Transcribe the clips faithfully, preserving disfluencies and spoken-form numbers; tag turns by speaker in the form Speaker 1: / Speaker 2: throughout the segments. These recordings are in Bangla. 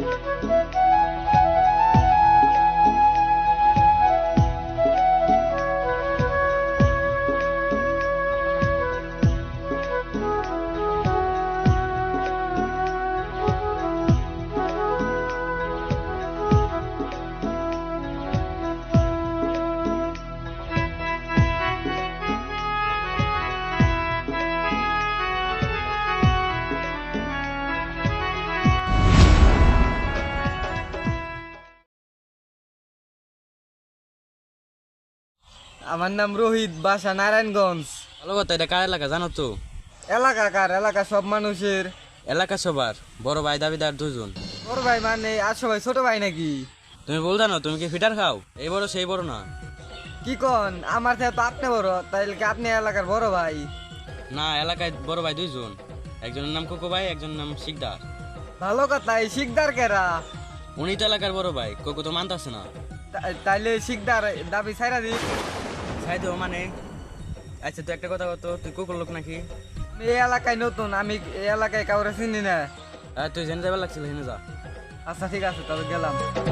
Speaker 1: আমার নাম রোহিত, বাসা নারায়ণগঞ্জ।
Speaker 2: ভালো কথা, এটা কার এলাকা জানো তো?
Speaker 1: এলাকা কার? এলাকা সব মানুষের।
Speaker 2: এলাকা সবার, বড় ভাই দাবিদার দুজন।
Speaker 1: বড় ভাই মানে আর সবাই ছোট ভাই নাকি?
Speaker 2: তুমি বল জানো, তুমি কি ফিটার খাও? এই বড় সেই বড় না।
Speaker 1: কি কন? আমার থেকে তো আপনি বড়, তাইলে কি আপনি এলাকার বড় ভাই?
Speaker 2: না, এলাকায় বড় ভাই দুইজন, একজনের নাম কোকো ভাই, একজনের নাম শিকদার।
Speaker 1: ভালো কথা। এই শিকদার কেরা?
Speaker 2: উনি তো এলাকার বড় ভাই, কোকো তো মানতাছে না।
Speaker 1: তা- তাইলে শিকদার দাবি ছাইরা দি।
Speaker 2: ছাই দেবো মানে? আচ্ছা তুই একটা কথা বলতো, তুই কোকোর লোক নাকি?
Speaker 1: এই এলাকায় নতুন, আমি এই এলাকায় কাউরে চিনি না।
Speaker 2: হ্যাঁ, তুই জেনে যাবার লাগছিল, হেনে যা।
Speaker 1: আচ্ছা ঠিক আছে, তবে গেলাম।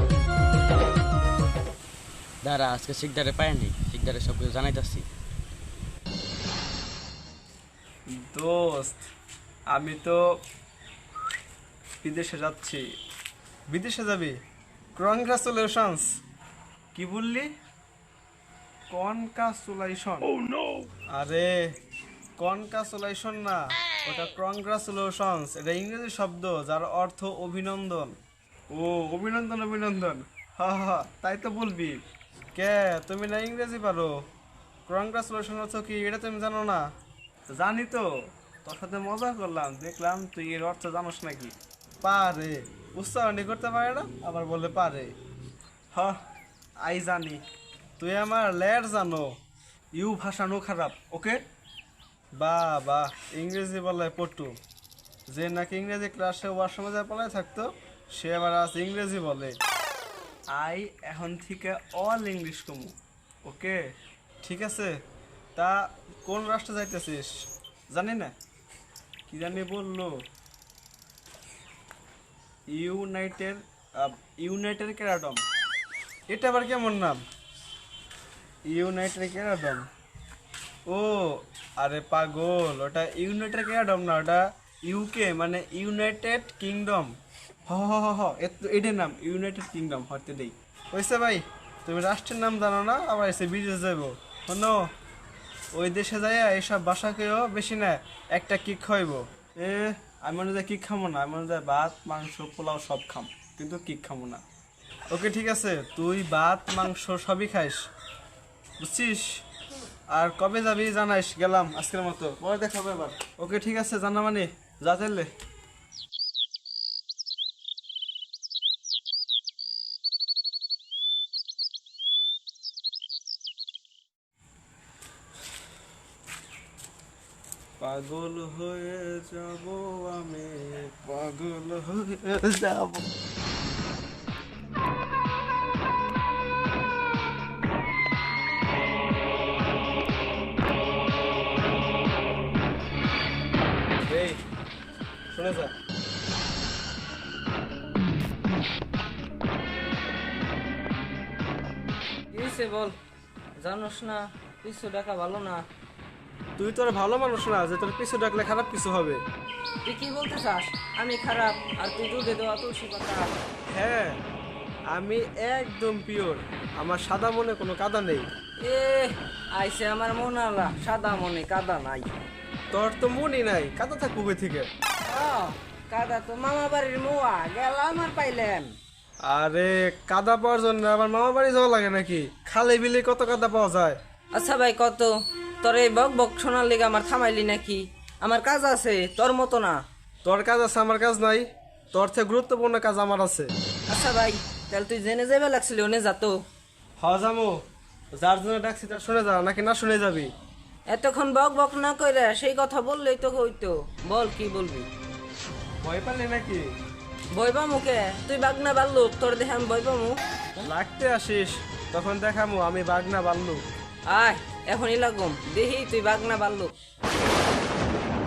Speaker 2: দাঁড়া, আজকে শিকদারে পায়নি, শিকদারে সব কিছু জানাইতাছি।
Speaker 3: দোস্ত, আমি তো বিদেশে যাচ্ছি। বিদেশে যাবি? কনগ্রাচুলেশনস। কি বললি? কনগ্রাচুলেশন? আরে কনগ্রাচুলেশন না, ওটা কনগ্রাচুলেশনস। এটা ইংরেজি শব্দ যার অর্থ অভিনন্দন। ও অভিনন্দন, অভিনন্দন। হা হা, তাই তো বলবি। কে, তুমি না ইংরেজি পারো? কনগ্রাচুলেশন অর্থ কি এটা তুমি জানো না? জানি তো, তোর সাথে মজা করলাম, দেখলাম তুই এর অর্থ জানোস নাকি। পারে, উচ্চারণই করতে পারে না, আবার বলে পারে। হ, আই জানি। তুই আমার লের জানো। ইউ ভাষা নো খারাপ, ওকে? বা বা, ইংরেজি বলে পটু। যে নাকি ইংরেজি ক্লাসে ওয়াশরুমে যায় পড়ায় থাকতো, সে আবার আজ ইংরেজি বলে। আই এখন থেকে অল ইংলিশ কমু, ওকে? ঠিক আছে। তা কোন রাষ্ট্রে যাইতেছিস জানি না, কি জানি বললো। United United Kingdom. এটা আবার কেমন নাম? United kingdom? ও আরে পাগল, ওটা ইউনাইটেড কিংডম না, ওটা ইউকে মানে ইউনাইটেড কিংডম। হ হ হ হ, এটার নাম ইউনাইটেড কিংডম হতে দেই। হয়েছে ভাই, তুমি রাষ্ট্রের নাম জানো না, আবার এসে বিদেশ যাবো। শোনো, ওই দেশে যাইয়া এইসব বাসাকেও বেশি না একটা কিক খাইব। এ আমি মনে যায় কিক খামো না, আমি মনে যায় ভাত মাংস পোলাও সব খাম, কিন্তু কিক খামো না। ওকে ঠিক আছে, তুই ভাত মাংস সবই খাইস, বুঝছিস? আর কবে যাবি জানাইস। গেলাম আজকের মতো, পরে দেখা হবে এবার। ওকে ঠিক আছে, জানা মানে যা তাইলে। পাগল হয়ে যাব আমি, পাগল হয়ে যাব। এই শুনে যা।
Speaker 1: কি হয়েছে বল? জানোস না পিছু ডাকা ভালো না।
Speaker 3: তুই তোর ভালো মানুষ না যে তোর পিছু ডাকলে খারাপ কিছু হবে।
Speaker 1: তুই কি বলতে চাস? আমি খারাপ আর তুই দুধে দেওয়া তুলসী পাতা।
Speaker 3: হ্যাঁ, আমি একদম পিওর, আমার সাদা মনে কোনো কাদা নেই।
Speaker 1: এ আইসে আমার মন আলা, সাদা মনে কাদা নাই।
Speaker 3: তোর তো মনই নাই, কাদা থাকবো কই থেকে?
Speaker 1: আহ, কাদা তো মামা বাড়ির মোয়া গেলাম আর পাইলেন।
Speaker 3: আরে কাদা পাওয়ার জন্য আমার মামা বাড়ি যাওয়া লাগে নাকি? খালে বিলে কত কাদা পাওয়া যায়।
Speaker 1: আচ্ছা ভাই, কত তোর এই বক বক শোনার লিগে আমার থামাইলি নাকি? আমার কাজ আছে, তোর মতো না।
Speaker 3: তোর কাজ আছে, আমার কাজ নাই। তোর থেকে গুরুত্বপূর্ণ কাজ আমার আছে।
Speaker 1: আচ্ছা ভাই, তাহলে তুই জেনে যাবে লাগছিল ওনে যাতো।
Speaker 3: হ যামো, যার জন্য ডাকছি তার শুনে যা, নাকি না শুনে যাবি?
Speaker 1: এতক্ষণ বক বক না কইরা সেই কথা বললেই তো হইতো। বল কি বলবি?
Speaker 3: ভয় পালি নাকি?
Speaker 1: বইবা মুখে তুই বাগনা বাল্লুক, তোর দেখে আমি বইবা মুখ।
Speaker 3: লাগতে আসিস, তখন দেখামু আমি বাগনা বাল্লু।
Speaker 1: আয় এখনই লাগুম, দেখি তুই বাগনা বাল্লুক।